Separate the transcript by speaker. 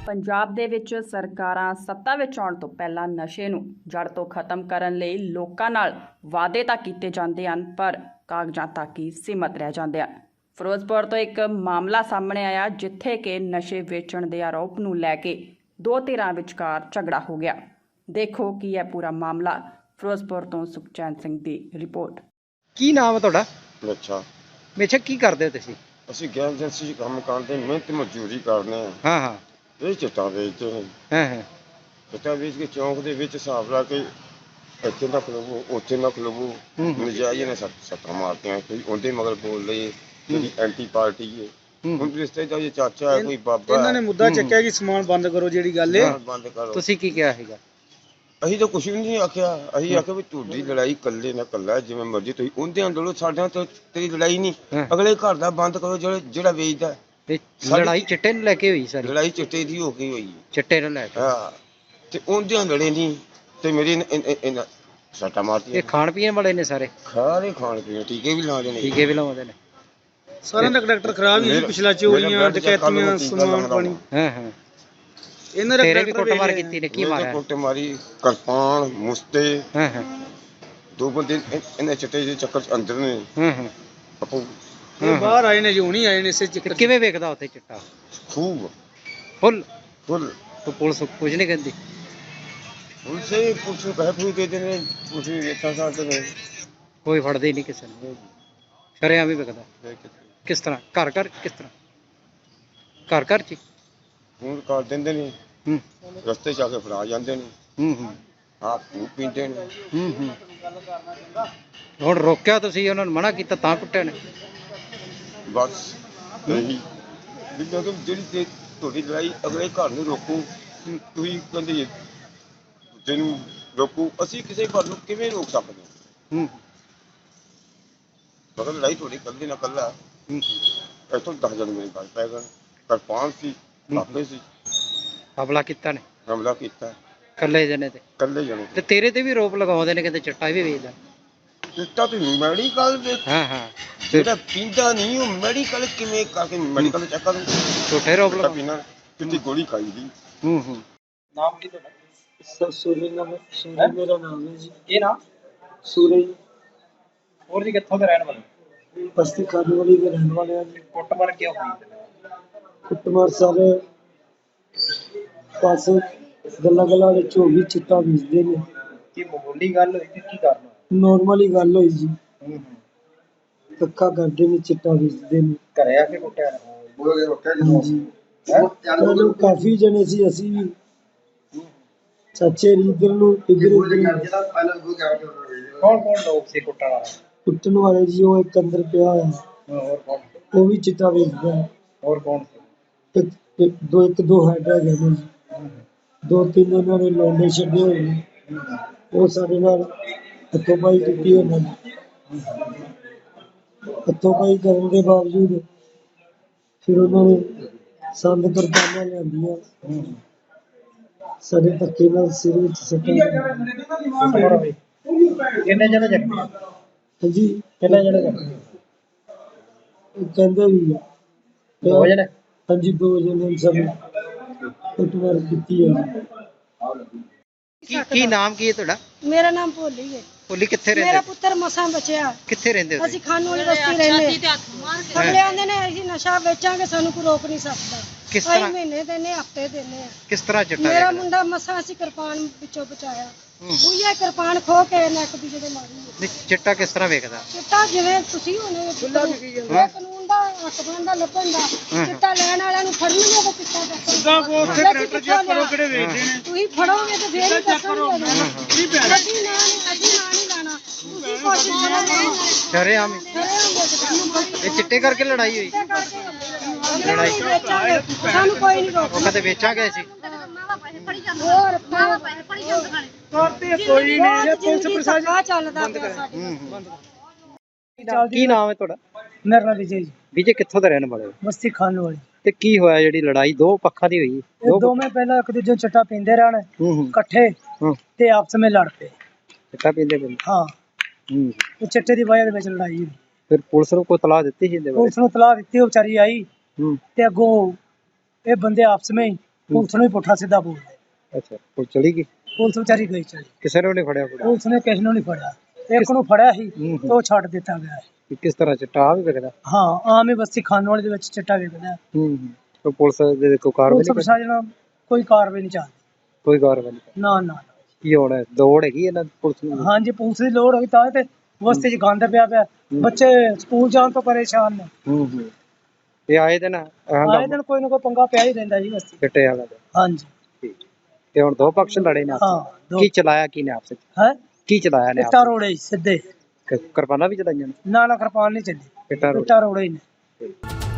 Speaker 1: ਪੰਜਾਬ ਦੇ ਵਿੱਚ ਸਰਕਾਰਾਂ ਸੱਤਾ ਵਿੱਚ ਆਉਣ ਤੋਂ ਪਹਿਲਾਂ ਨਸ਼ੇ ਨੂੰ ਜੜ ਤੋਂ ਖਤਮ ਕਰਨ ਲਈ ਲੋਕਾਂ ਨਾਲ ਵਾਅਦੇ ਤਾਂ ਕੀਤੇ ਜਾਂਦੇ ਹਨ, ਪਰ ਕਾਗਜ਼ਾਂ ਤੱਕ ਹੀ ਸੀਮਤ ਰਹਿ ਜਾਂਦੇ ਹਨ। ਫਿਰੋਜ਼ਪੁਰ ਤੋਂ ਇੱਕ ਮਾਮਲਾ ਸਾਹਮਣੇ ਆਇਆ ਜਿੱਥੇ ਕਿ ਨਸ਼ੇ ਵੇਚਣ ਦੇ ਆਰੋਪ ਨੂੰ ਲੈ ਕੇ ਦੋ ਧਿਰਾਂ ਵਿਚਕਾਰ ਝਗੜਾ ਹੋ ਗਿਆ। ਦੇਖੋ ਕੀ ਹੈ ਪੂਰਾ ਮਾਮਲਾ। ਫਿਰੋਜ਼ਪੁਰ ਤੋਂ ਸੁਖਚੈਨ ਸਿੰਘ ਦੀ ਰਿਪੋर्ट।
Speaker 2: ਕੀ ਨਾਮ ਹੈ ਤੁਹਾਡਾ?
Speaker 3: ਅੱਛਾ,
Speaker 2: ਮੇਛਾ ਕੀ ਕਰਦੇ ਹੋ ਤੁਸੀਂ?
Speaker 3: ਅਸੀਂ ਗੈਸ ਏਜੰਸੀ 'ਚ ਕੰਮ ਕਰਦੇ, ਮਿਹਨਤ ਮਜ਼ਦੂਰੀ ਕਰਦੇ ਹਾਂ।
Speaker 2: ਹਾਂ ਹਾਂ
Speaker 3: ਇਹ ਚਿੱਟਾ ਵੇਚਦੇ ਨੇ।
Speaker 2: ਹਾਂ ਹਾਂ
Speaker 3: ਚਿੱਟਾ ਵੇਚ ਕੇ ਚੌਂਕ ਦੇ ਵਿੱਚ ਹਿਸਾਬ ਲਾ ਕੇ ਇੱਥੇ ਨਾ ਖਲੋਵੋ, ਉੱਥੇ ਨਾ ਖਲੋਵੋ। ਨਜਾਇਜ਼ ਨੇ ਸੱਟਾਂ ਮਾਰਤੀਆਂ। ਕੋਈ ਉਹਦੇ ਮਗਰ ਬੋਲ ਰਹੀ ਜਿਹੜੀ ਐਂਟੀ ਪਾਰਟੀ ਹੈ। ਹੁਣ ਰਿਸ਼ਤੇਦਾਰ ਜੇ ਚਾਚਾ ਹੈ, ਕੋਈ ਬਾਬਾ
Speaker 4: ਇਹਨਾਂ ਨੇ ਮੁੱਦਾ ਚੱਕਿਆ ਕਿ ਸਮਾਨ ਬੰਦ ਕਰੋ ਜਿਹੜੀ ਗੱਲ ਹੈ।
Speaker 3: ਬੰਦ ਕਰੋ।
Speaker 2: ਤੁਸੀਂ ਕੀ ਕਿਹਾ ਹੈਗਾ?
Speaker 3: ਅਸੀਂ ਤਾਂ ਕੁਛ ਵੀ ਨਹੀਂ ਆਖਿਆ। ਅਸੀਂ ਆਖਿਆ ਵੀ ਤੁਹਾਡੀ ਲੜਾਈ ਇਕੱਲੇ ਨਾਲ ਇਕੱਲਾ, ਜਿਵੇਂ ਮਰਜ਼ੀ ਤੁਸੀਂ ਉਹਦੇ ਅੰਦਰੋਂ ਸਾਡੇ ਨਾਲ ਤੇਰੀ ਲੜਾਈ ਨਹੀਂ। ਅਗਲੇ ਘਰ ਦਾ ਬੰਦ ਕਰੋ ਜਿਹੜਾ ਵੇਚਦਾ।
Speaker 2: ਲੜਾਈ ਚਿੱਟੇ ਨੂੰ ਲੈ ਕੇ ਹੋਈ ਸਾਰੀ?
Speaker 3: ਲੜਾਈ ਚਿੱਟੇ ਦੀ ਹੋ ਗਈ ਹੋਈ।
Speaker 2: ਚਿੱਟੇ ਨੂੰ ਲੈ ਕੇ?
Speaker 3: ਹਾਂ, ਤੇ ਉਹਦੇ ਲੜੇ ਨਹੀਂ ਤੇ ਮੇਰੀ ਸੱਟਾਂ ਮਾਰਤੀਆਂ।
Speaker 2: ਇਹ ਖਾਣ ਪੀਣ ਵਾਲੇ ਨੇ ਸਾਰੇ?
Speaker 3: ਖਾਣੇ ਖਾਣ ਪੀਣ ਟੀਕੇ ਵੀ ਲਾਉਂਦੇ ਨੇ।
Speaker 2: ਟੀਕੇ ਵੀ ਲਾਉਂਦੇ ਨੇ।
Speaker 4: ਸਾਰਿਆਂ ਦਾ ਡਾਕਟਰ ਖਰਾਬ ਹੀ ਪਿਛਲਾ ਚੋਰੀਆਂ ਡਕੈਤੀਆਂ ਸਮਾਨ ਪਾਣੀ।
Speaker 2: ਹਾਂ ਹਾਂ
Speaker 4: ਇਹਨਾਂ ਦਾ
Speaker 2: ਤੇਰੇ ਵੀ ਕੁੱਟਮਾਰ ਕੀਤੀ ਨੇ? ਕੀ ਮਾਰਿਆ?
Speaker 3: ਕੁੱਟ ਮਾਰੀ, ਕਿਰਪਾਨ, ਮੁਸਤੇ।
Speaker 2: ਹਾਂ ਹਾਂ
Speaker 3: ਦੋ ਬੰਦੇ ਇਹਨੇ ਚਿੱਟੇ ਦੇ ਚੱਕਰ ਚ ਅੰਦਰ ਨੇ।
Speaker 2: ਹਾਂ ਹਾਂ
Speaker 3: ਆਪੂ
Speaker 4: ਇਹ ਬਾਹਰ ਆਏ ਨੇ ਜੋ ਨਹੀਂ ਆਏ ਨੇ ਇਸੇ ਚੱਕਰ।
Speaker 2: ਕਿਵੇਂ ਵੇਖਦਾ ਉੱਥੇ ਚਿੱਟਾ?
Speaker 3: ਖੂਬ
Speaker 2: ਫੁੱਲ
Speaker 3: ਫੁੱਲ।
Speaker 2: ਤੂੰ ਪੁਲਿਸ ਕੁਝ ਨਹੀਂ ਕਹਿੰਦੀ?
Speaker 3: ਪੁਲਿਸ ਨੂੰ ਕਹਿ ਫੂ ਦੇ ਦੇਣੇ। ਪੁਲਿਸ ਵੀ ਵੇਖਾਂ ਸਕਦੇ ਨੇ।
Speaker 2: ਕੋਈ ਫੜਦੇ ਹੀ ਨਹੀਂ ਕਿਸੇ ਨੂੰ। ਸ਼ਰਿਆਂ ਵੀ ਵੇਖਦਾ? ਕਿਸ ਤਰ੍ਹਾਂ? ਘਰ ਘਰ? ਕਿਸ ਤਰ੍ਹਾਂ ਘਰ ਘਰ ਚ?
Speaker 3: ਹੁਣ ਕਰ ਦਿੰਦੇ ਨੇ। ਰਸਤੇ ਚ ਆ ਕੇ ਫੜਾ ਜਾਂਦੇ ਨੇ। ਆਪ ਖੂਬ ਪੀਂਦੇ ਨੇ।
Speaker 2: ਹੁਣ ਰੋਕਿਆ ਤੁਸੀਂ, ਉਹਨਾਂ ਨੂੰ ਮਨਾ ਕੀਤਾ ਤਾਂ ਕੁੱਟਿਆ ਨੇ?
Speaker 3: ਬਸ ਇਹੀ ਵੀ ਜਦੋਂ ਜਿਹੜੀ ਤੁਹਾਡੀ ਲੜਾਈ ਅਗਲੇ ਘਰ ਨੂੰ ਰੋਕੋ। ਤੁਸੀਂ ਕਹਿੰਦੇ ਦੂਜੇ ਨੂੰ ਰੋਕੋ। ਅਸੀਂ ਕਿਸੇ ਘਰ ਨੂੰ ਕਿਵੇਂ ਰੋਕ ਸਕਦੇ ਹਾਂ? ਮਗਰ ਲੜਾਈ ਤੁਹਾਡੀ ਇਕੱਲੀ ਨਾਲ ਇਕੱਲਾ। ਇੱਥੋਂ 10 ਜਣੇ ਮੇਰੇ ਗੱਲ ਪੈ ਗਏ। ਕਿਰਪਾਨ ਸੀ, ਕਾਪੇ ਸੀ।
Speaker 2: ਹਮਲਾ ਕੀਤਾ ਨੇ?
Speaker 3: ਹਮਲਾ ਕੀਤਾ
Speaker 2: ਇਕੱਲੇ ਜਣੇ ਤੇ?
Speaker 3: ਇਕੱਲੇ ਜਣੇ
Speaker 2: ਤੇ ਤੇਰੇ ਤੇ ਵੀ ਰੋਪ ਲਗਾਉਂਦੇ ਨੇ, ਕਹਿੰਦੇ ਚਿੱਟਾ ਵੀ ਵੇਚਦਾ।
Speaker 3: ਚਿੱਟਾ ਤੇ ਮੈਡੀਕਲ ਦੇ।
Speaker 2: ਹਾਂ ਹਾਂ
Speaker 3: ਜਿਹੜਾ ਪੀਂਦਾ ਨਹੀਂ ਉਹ ਮੈਡੀਕਲ ਕਿਵੇਂ ਕਰਕੇ ਮੈਡੀਕਲ ਚੈੱਕ ਕਰੂ?
Speaker 2: ਝੂਠੇ ਰੋਪ
Speaker 3: ਚਿੱਟਾ
Speaker 2: ਲਗਾ।
Speaker 3: ਪੀਣਾ ਕਿੰਨੀ ਗੋਲੀ ਖਾਈ ਦੀ।
Speaker 4: ਨਾਮ ਕੀ ਤੁਹਾਡਾ? ਸੂਰਜ ਨਾਮ ਹੈ ਮੇਰਾ ਨਾਮ ਹੈ ਜੀ। ਇਹ ਨਾਮ ਸੂਰਜ। ਹੋਰ ਜੀ ਕਿੱਥੋਂ ਦੇ ਰਹਿਣ ਵਾਲੇ? ਬਸਤੀ ਖਾਨਵਾਲੀ ਦੇ ਰਹਿਣ ਵਾਲੇ ਆ ਜੀ। ਕੁੱਟਮਾਰ ਕਿਉਂ ਹੋਈ? ਕੁੱਟਮਾਰ ਸਾਰੇ ਪਾਸੇ ਗੱਲਾਂ ਵਿੱਚ ਹੋ ਗਈ। ਚਿੱਟਾ ਵੇਚਦੇ ਨੇ। ਕੀ ਮਾਮੂਲੀ ਗੱਲ ਹੋਈ ਕਿ ਕੀ ਕਰਨਾ? ਨਾਰਮਲੀ ਗੱਲ ਹੋਈ ਜੀ। ਧੱਕਾ ਕਰਦੇ ਨੇ, ਚਿੱਟਾ ਵੇਚਦੇ ਨੇ। ਘਰੇ ਆ ਕੇ ਕੁੱਟਿਆ? ਹਾਂਜੀ। ਚਲੋ ਕਾਫੀ ਜਣੇ ਸੀ, ਅਸੀਂ ਵੀ ਚਾਚੇ ਇਧਰ ਨੂੰ ਇਧਰ ਉਧਰ। ਕੌਣ ਕੌਣ ਲੋਕ ਸੀ ਕੁੱਟਣ ਵਾਲੇ? ਕੁੱਟਣ ਵਾਲੇ ਜੀ ਉਹ ਇੱਕ ਅੰਦਰ ਪਿਆ ਹੋਇਆ। ਹੋਰ ਕੌਣ? ਉਹ ਵੀ ਚਿੱਟਾ ਵੇਚਦਾ ਹੈ। ਹੋਰ ਕੌਣ? ਇੱਕ ਦੋ ਹੈਡ ਹੈਗੇ ਨੇ ਜੀ। ਦੋ ਤਿੰਨ ਉਹਨਾਂ ਨੇ ਲੋਂਡੇ ਛੱਡੇ ਹੋਏ ਨੇ। ਉਹ ਸਾਡੇ ਨਾਲ ਹੱਥੋਂ ਪਾਈ ਕੀਤੀ ਉਹਨਾਂ ਨੇ। ਹੱਥੋਂ ਪਾਈ ਕਰਨ ਦੇ ਬਾਵਜੂਦ ਫਿਰ ਉਹਨਾਂ ਨੇ ਸੰਦ ਕਿਰਪਾਨਾਂ ਲਿਆਂਦੀਆਂ। ਸਾਡੇ ਧੱਕੇ ਨਾਲ ਸਿਰ ਵਿੱਚ ਸੱਟਾਂ। ਕਿੰਨੇ ਜਣੇ ਜ਼ਖਮੀ? ਹਾਂਜੀ ਕਿੰਨੇ ਜਣੇ ਜ਼ਖਮੀ? ਕਹਿੰਦੇ ਵੀ ਦੋ ਜਣੇ। ਹਾਂਜੀ 2 ਜਣੇ ਸਭ ਕੁੱਟਮਾਰ ਕੀਤੀ ਹੈ।
Speaker 2: ਕੀ ਨਾਮ ਕੀ ਹੈ ਤੁਹਾਡਾ?
Speaker 5: ਮੇਰਾ ਨਾਮ ਭੋਲੀ ਹੈ।
Speaker 2: ਭੋਲੀ ਕਿੱਥੇ ਰਹਿੰਦੇ?
Speaker 5: ਮੇਰਾ ਪੁੱਤਰ ਮਸਾਂ ਬਚਿਆ।
Speaker 2: ਕਿੱਥੇ ਰਹਿੰਦੇ ਹੋ?
Speaker 5: ਅਸੀਂ ਖਾਨਵਾਲੀ ਬਸਤੀ ਰਹਿੰਦੇ। ਅਗਲੇ ਆਂਦੇ ਨੇ ਅਸੀਂ ਨਸ਼ਾ ਵੇਚਾਂਗੇ, ਸਾਨੂੰ ਕੋਈ ਰੋਕ ਨਹੀਂ ਸਕਦਾ।
Speaker 2: ਕਿਸ ਤਰ੍ਹਾਂ?
Speaker 5: ਅਸੀਂ ਮਹੀਨੇ ਦਿੰਦੇ, ਹਫਤੇ ਦਿੰਦੇ ਆ।
Speaker 2: ਕਿਸ ਤਰ੍ਹਾਂ ਚਿੱਟਾ?
Speaker 5: ਮੇਰਾ ਮੁੰਡਾ ਮਸਾਂ ਅਸੀਂ ਕਿਰਪਾਨ ਵਿੱਚੋਂ ਬਚਾਇਆ। ਉਹੀ ਕਿਰਪਾਨ ਖੋ ਕੇ ਨੱਕ ਦੀ ਜਿਹਦੇ ਮਾਰੀ।
Speaker 2: ਨਹੀਂ ਚਿੱਟਾ ਕਿਸ ਤਰ੍ਹਾਂ ਵੇਖਦਾ?
Speaker 5: ਚਿੱਟਾ ਜਿਵੇਂ ਤੁਸੀਂ ਹੋਣੇ ਕਾਨੂੰਨ ਦਾ ਹੱਕ ਬਣਦਾ ਲੱਭਣ ਦਾ। ਚਿੱਟਾ ਲੈਣ ਵਾਲਿਆਂ ਨੂੰ ਫੜਨਗੇ ਤਾਂ ਚਿੱਟਾ ਤੁਸੀਂ ਫੜੋਗੇ ਤੇ ਫੇਰ ਹੀ ਦੱਸਣਗੇ। ਅਸੀਂ ਨਾਂ ਨਹੀਂ ਲਾਣਾ। ਤੁਸੀਂ ਕੋਸ਼ਿਸ਼ ਕਰੋ।
Speaker 2: ਸ਼ਰੇਆਮ ਇਹ ਚਿੱਟੇ ਕਰਕੇ ਲੜਾਈ ਹੋਈ?
Speaker 5: ਲੜਾਈ ਸਾਨੂੰ ਕੋਈ ਨਹੀਂ ਰੋਕਦਾ।
Speaker 2: ਉਹ ਕਦੇ ਵੇਚਾਂਗੇ ਅਸੀਂ?
Speaker 5: ਹੋਰ ਕੋਈ ਨਹੀਂ। ਪੁਲਿਸ ਪ੍ਰਸ਼ਾਸਨ ਚੱਲਦਾ ਪਿਆ ਸਾਡੇ।
Speaker 2: ਕੀ ਨਾਮ ਹੈ ਤੁਹਾਡਾ?
Speaker 4: ਮੇਰਾ ਨਾਮ ਵਿਜੇ ਜੀ।
Speaker 2: ਵਿਜੇ ਕਿੱਥੋਂ ਦੇ ਰਹਿਣ ਵਾਲੇ ਹੋ?
Speaker 4: ਬਸਤੀ ਖਾਨਵਾਲੀ।
Speaker 2: ਤੇ ਕੀ ਹੋਇਆ ਜਿਹੜੀ ਲੜਾਈ ਦੋ ਪੱਖਾਂ ਦੀ ਹੋਈ?
Speaker 4: ਇਹ ਦੋਵੇਂ ਪਹਿਲਾਂ ਇੱਕ ਦੂਜੇ ਨੂੰ ਚਿੱਟਾ ਪੀਂਦੇ ਰਹਿਣ ਇਕੱਠੇ ਤੇ ਆਪਸ ਵਿੱਚ ਲੜ ਪਏ।
Speaker 2: ਚਿੱਟਾ ਪੀਂਦੇ ਪੀਂਦੇ?
Speaker 4: ਹਾਂ। ਇਹ ਚਿੱਟੇ ਦੀ ਵਜ੍ਹਾ ਦੇ ਵਿੱਚ ਲੜਾਈ ਹੋਈ।
Speaker 2: ਫਿਰ ਪੁਲਿਸ ਨੂੰ ਕੋਈ ਤਲਾਹ ਦਿੱਤੀ ਸੀ?
Speaker 4: ਪੁਲਿਸ ਨੂੰ ਤਲਾਹ ਦਿੱਤੀ, ਉਹ ਵਿਚਾਰੀ ਆਈ ਤੇ ਅੱਗੋਂ ਇਹ ਬੰਦੇ ਆਪਸ ਵਿੱਚ ਪੁਲਿਸ ਨੂੰ ਹੀ ਪੁੱਠਾ ਸਿੱਧਾ ਬੋਲਦੇ।
Speaker 2: ਅੱਛਾ ਉਹ ਚਲੀ ਗਈ,
Speaker 4: ਪੁਲਿਸ ਵਿਚਾਰੀ ਗਈ ਚਲੀ,
Speaker 2: ਕਿਸੇ ਨੂੰ ਨਹੀਂ ਫੜਿਆ ਕੁੜਾ?
Speaker 4: ਪੁਲਿਸ ਨੇ ਕਿਸੇ ਨੂੰ ਨਹੀਂ ਫੜਿਆ। ਇੱਕ ਨੂੰ ਫੜਿਆ ਸੀ
Speaker 2: ਹੂੰ।
Speaker 4: ਤੇ ਉਹ ਛੱਡ ਦਿੱਤਾ ਗਿਆ ਹੈ।
Speaker 2: ਕਿਸ ਤਰ੍ਹਾਂ ਚਿੱਟਾ ਵੀ ਵਿਕਦਾ?
Speaker 4: ਹਾਂ ਆਮ ਹੀ ਬਸਤੀ ਖਾਨਵਾਲੀ ਦੇ ਵਿੱਚ ਚਿੱਟਾ ਵਿਕਦਾ ਹੈ।
Speaker 2: ਉਹ ਪੁਲਿਸ ਦੇ ਕੋਈ ਕਾਰਵਾਈ
Speaker 4: ਪੁਲਿਸ
Speaker 2: ਨਹੀਂ ਕਰਦੀ?
Speaker 4: ਪ੍ਰਸ਼ਾਸਨ ਕੋਈ ਕਾਰਵਾਈ ਨਹੀਂ ਚੱਲਦੀ।
Speaker 2: ਕੋਈ ਕਾਰਵਾਈ ਨਹੀਂ।
Speaker 4: ਨਾ ਨਾ
Speaker 2: ਕੀ ਹੋਣਾ, ਦੌੜ ਹੈਗੀ ਇਹਨਾਂ ਦੀ ਪੁਲਿਸ ਨੂੰ?
Speaker 4: ਹਾਂਜੀ ਪੁਲਿਸ ਦੀ ਲੋੜ ਹੋਈ ਤਾਂ ਹੀ ਤੇ ਬਸਤੀ 'ਚ ਗੰਦ ਪਿਆ। ਬੱਚੇ ਸਕੂਲ ਜਾਣ ਤੋਂ ਪਰੇਸ਼ਾਨ ਨੇ।
Speaker 2: ਇਹ ਆਏ ਦਿਨ
Speaker 4: ਆਏ ਦਿਨ ਕੋਈ ਨਾ ਕੋਈ ਪੰਗਾ ਪਿਆ ਹੀ ਰਹਿੰਦਾ ਜੀ ਬਸਤੀ।
Speaker 2: ਚਿੱਟੇ ਵਾਲਾ ਦਾ।
Speaker 4: ਹਾਂਜੀ
Speaker 2: ਠੀਕ। ਤੇ ਹੁਣ ਦੋ ਪਕਸ਼ ਲੜੇ ਨੇ ਆਪਸ
Speaker 4: ਹਾਂ
Speaker 2: ਵਿੱਚ। ਕੀ ਚਲਾਇਆ ਕੀ ਨੇ ਆਪਸ ਵਿੱਚ?
Speaker 4: ਹੈ
Speaker 2: ਕੀ ਚਲਾਇਆ ਨੇ
Speaker 4: ਇੱਟਾਂ
Speaker 2: ਆਪਸ
Speaker 4: ਰੋੜੇ ਸਿੱਧੇ।
Speaker 2: ਵਿੱਚ? ਕਿਰਪਾਨਾਂ ਵੀ ਚਲਾਈਆਂ ਨੇ?
Speaker 4: ਨਾ ਕਿਰਪਾਨ ਨਹੀਂ ਚੱਲੀ,
Speaker 2: ਇੱਟਾਂ ਰੋੜੇ।
Speaker 4: ਇੱਟਾਂ ਰੋੜੇ ਹੀ ਨੇ।